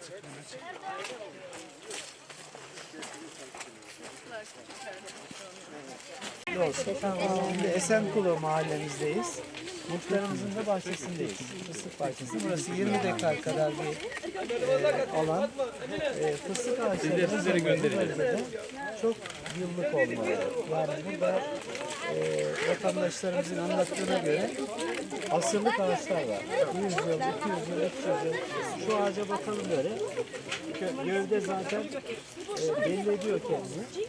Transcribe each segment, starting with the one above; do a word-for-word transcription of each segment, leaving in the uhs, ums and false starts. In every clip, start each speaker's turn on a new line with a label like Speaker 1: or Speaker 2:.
Speaker 1: Şimdi Esenkulu mahallemizdeyiz. Muhtarımızın da bahçesindeyiz. Fıstık bahçesi. Burası yirmi dekar kadar bir e, alan. E, fıstık ağaçları bölgede çok yıllık olmalı. Yani burada e, vatandaşlarımızın anlattığına göre asırlık ağaçlar var. yüz yıl, iki yüz yıl, üç yüz yıl. Şu ağaca bakalım böyle. Gövde zaten e, belli ediyor kendini.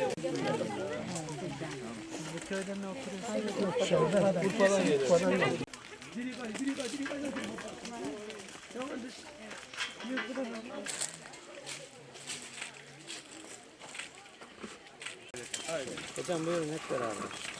Speaker 1: Siz bu köyde ne oturuyorsunuz? Yok, Urfa'dan. Urfa'dan geliyor. Hocam buyurun hep beraber.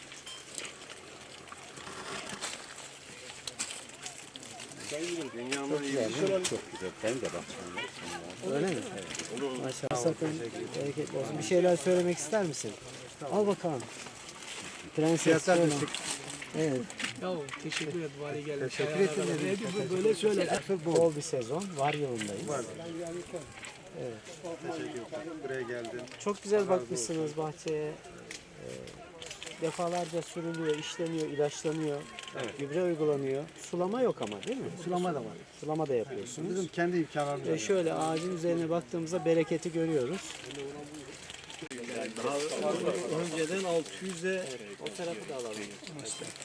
Speaker 2: Dünyanın iyi çok güzel. Benim de bahçem.
Speaker 1: Öyle mi? Evet. Maşallah. Sakın bereketli olsun. Bir şeyler söylemek ister misin? Al bakalım. Prenses Fiona. Evet.
Speaker 3: Ya teşekkür ederim. Bari geldim.
Speaker 1: Teşekkür ederim.
Speaker 3: Böyle söyle.
Speaker 1: Bol bir sezon. Var yılındayız.
Speaker 2: Var.
Speaker 1: Evet.
Speaker 2: Teşekkür ederim. Buraya geldin.
Speaker 1: Çok güzel bakmışsınız bahçeye. Ee, defalarca sürülüyor, işleniyor, ilaçlanıyor.
Speaker 2: Evet.
Speaker 1: Gübre uygulanıyor. Sulama yok ama değil mi?
Speaker 2: Sulama da var.
Speaker 1: Sulama da yapıyorsunuz.
Speaker 2: Bizim kendi imkanlarımız.
Speaker 1: Ve şöyle ağacın üzerine baktığımızda bereketi görüyoruz.
Speaker 3: Daha önceden altı yüze
Speaker 1: O tarafı da alalım.